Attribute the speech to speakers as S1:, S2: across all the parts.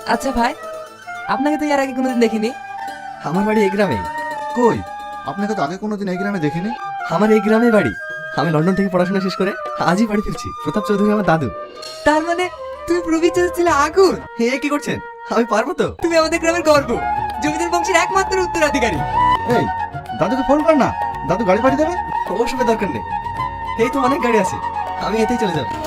S1: আচ্ছা ভাই, আপনাকে তো এর আগে কোনোদিন দেখিনি।
S2: আমার বাড়ি এই গ্রামে।
S3: কই, আপনাকে তো আগে কোনোদিন এই গ্রামে দেখিনি।
S2: আমার এই গ্রামে বাড়ি। আমি লন্ডন থেকে পড়াশোনা শেষ করে আজই বাড়ি ফিরছি। প্রতাপ চৌধুরী আমার দাদু।
S1: তার মানে তুমি প্রবীর ছিলে আগুন।
S2: হে, কি করছেন? আমি পারবো তো।
S1: তুমি আমাদের গ্রামের গর্ব, জমিদার বংশের একমাত্র উত্তরাধিকারী।
S3: এই, দাদুকে ফোন কর না, দাদু গাড়ি পাঠিয়ে দেবে।
S2: ওসবের দরকার নেই, এই তো অনেক গাড়ি আছে, আমি এতেই চলে যাব।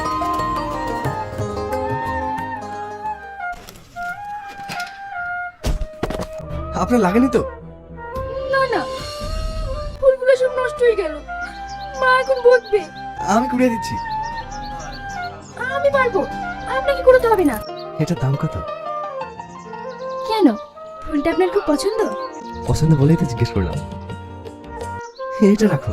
S2: আপনার লাগেনি তো?
S4: না না, ফুলগুলো সব নষ্ট হয়ে গেল। মা এখন বকবে।
S2: আমি কুড়িয়ে দিচ্ছি।
S4: আমি পারবো, আপনাকে করতে হবে না।
S2: এটার দাম কত?
S4: কেন, ফুলটা আপনার খুব পছন্দ?
S2: পছন্দ বলেই তো জিজ্ঞেস করলাম। এটা রাখুন।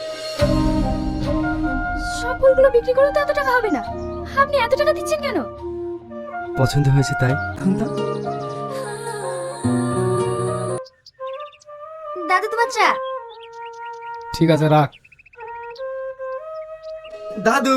S4: সব ফুলগুলো বিক্রি করে তো এত টাকা হবে না। আপনি এত টাকা দিচ্ছেন কেন?
S2: পছন্দ হয়েছে তাই।
S4: দাদু তোমার চা।
S5: ঠিক আছে, রাখ।
S2: দাদু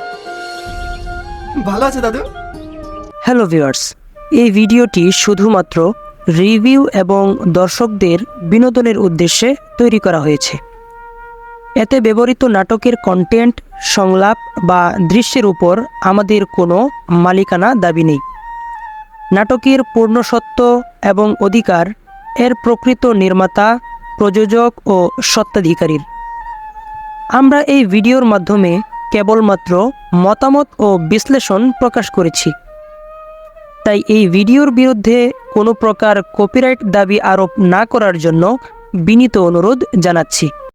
S2: ভালো আছে দাদু?
S6: হ্যালো ভিউয়ার্স, এই ভিডিওটি শুধুমাত্র রিভিউ এবং দর্শকদের বিনোদনের উদ্দেশ্যে তৈরি করা হয়েছে। এতে ব্যবহৃত নাটকের কন্টেন্ট, সংলাপ বা দৃশ্যের উপর আমাদের কোনো মালিকানা দাবি নেই। নাটকের পূর্ণ সত্য এবং অধিকার এর প্রকৃত নির্মাতা, প্রযোজক ও স্বত্বাধিকারীর। আমরা এই ভিডিওর মাধ্যমে কেবলমাত্র মতামত ও বিশ্লেষণ প্রকাশ করেছি। তাই এই ভিডিওর বিরুদ্ধে কোনো প্রকার কপিরাইট দাবি আরোপ না করার জন্য বিনীত অনুরোধ জানাচ্ছি।